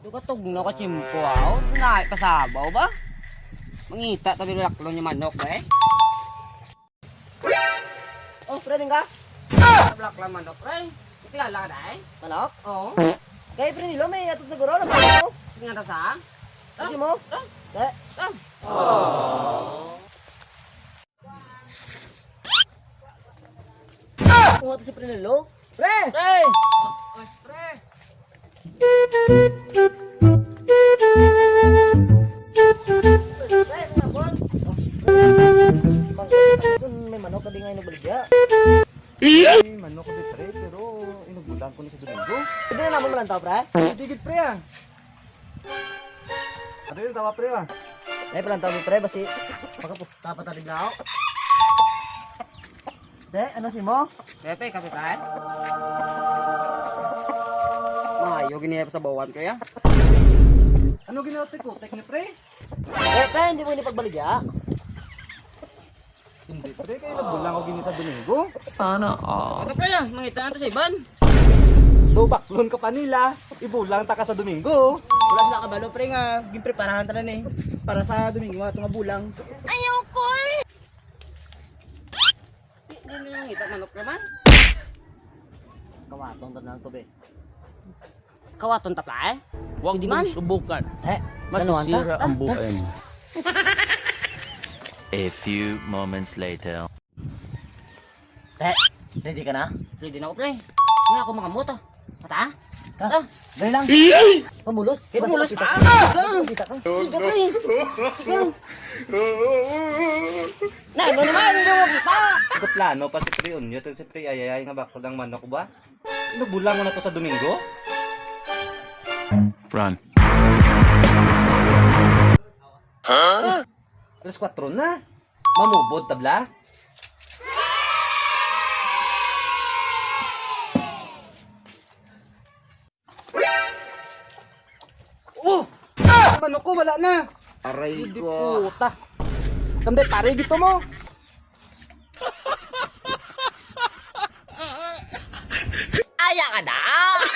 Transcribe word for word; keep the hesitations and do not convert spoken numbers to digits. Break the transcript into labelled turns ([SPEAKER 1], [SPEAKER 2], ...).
[SPEAKER 1] Ito katog na ka chimpo aw. Naay kasabaw ba? Mangita tabi laklo niya manok eh.
[SPEAKER 2] Oh, pre din ka?
[SPEAKER 1] Black lang manok pre. Kilala ka dai?
[SPEAKER 2] Manok?
[SPEAKER 1] Oo.
[SPEAKER 2] Kaya pre nilo may atod siguro lang ko.
[SPEAKER 1] Sige nga ta sa.
[SPEAKER 2] Hindi mo?
[SPEAKER 1] Ah.
[SPEAKER 2] Kaya, kung ato si pre nilo. Pre!
[SPEAKER 1] Pre!
[SPEAKER 2] Pre, mga bon. Kung may manok ka di nga inubaligya.
[SPEAKER 3] Ay, manok ko di pre, pero inugulan ko ni sa Domingo.
[SPEAKER 2] Hindi na naman malantaw, pre.
[SPEAKER 3] Digit pre ah. Ano yung tawa pre ah?
[SPEAKER 2] Ay, palantaw mo, pre. Basi, pagkapusta pa tayo lao. De, ano si mo?
[SPEAKER 1] Pepe, kapitan. Mayo gini sa bawan ko ya.
[SPEAKER 3] Ano ginawa ko? Tek ni pre?
[SPEAKER 2] Eh, pre, hindi mo ini pagbaligya.
[SPEAKER 3] Hindi pre, kayo nagulang ko gini sa Domingo.
[SPEAKER 1] Ano pre ya? Mangita na to sa iban.
[SPEAKER 3] So baklon ka pa nila, ibulang ta ka sa Domingo.
[SPEAKER 2] Wala sila kabalo, pre, nga. Ginpreparahan ta na eh. Para sa Domingo nga, itong bulang.
[SPEAKER 1] Hindi nyo mangita manok naman.
[SPEAKER 2] Kawatong ta na to, be.
[SPEAKER 1] Kawaton tapla eh.
[SPEAKER 4] Huwag
[SPEAKER 1] Hindi man.
[SPEAKER 4] mong subukan.
[SPEAKER 2] Eh, ganuhan ta?
[SPEAKER 4] Masisira ang buhay mo.
[SPEAKER 5] A few moments later.
[SPEAKER 2] Eh, ready ka na?
[SPEAKER 1] Ready na ako pre. Nga ako mga moto. Mata?
[SPEAKER 2] Ha?
[SPEAKER 1] Ah.
[SPEAKER 2] Dali lang. Pamulos. Eh, basta
[SPEAKER 1] Pamulos
[SPEAKER 2] kita
[SPEAKER 1] pa?
[SPEAKER 2] ka. Kita ka.
[SPEAKER 1] Sige pre. Na, ano naman? Hindi mo kita.
[SPEAKER 3] Ito plano pa si pre unyo, to si pre ayayay nga baklon ng manok ba? Inugulang mo na to sa Domingo?
[SPEAKER 5] Run.
[SPEAKER 3] Alas kwatro na. Mamubod tabla. Oh! Ah! Manok ko wala na.
[SPEAKER 2] Aray
[SPEAKER 3] Hindi puta. Kamde pare gito mo.
[SPEAKER 1] Aya ka na.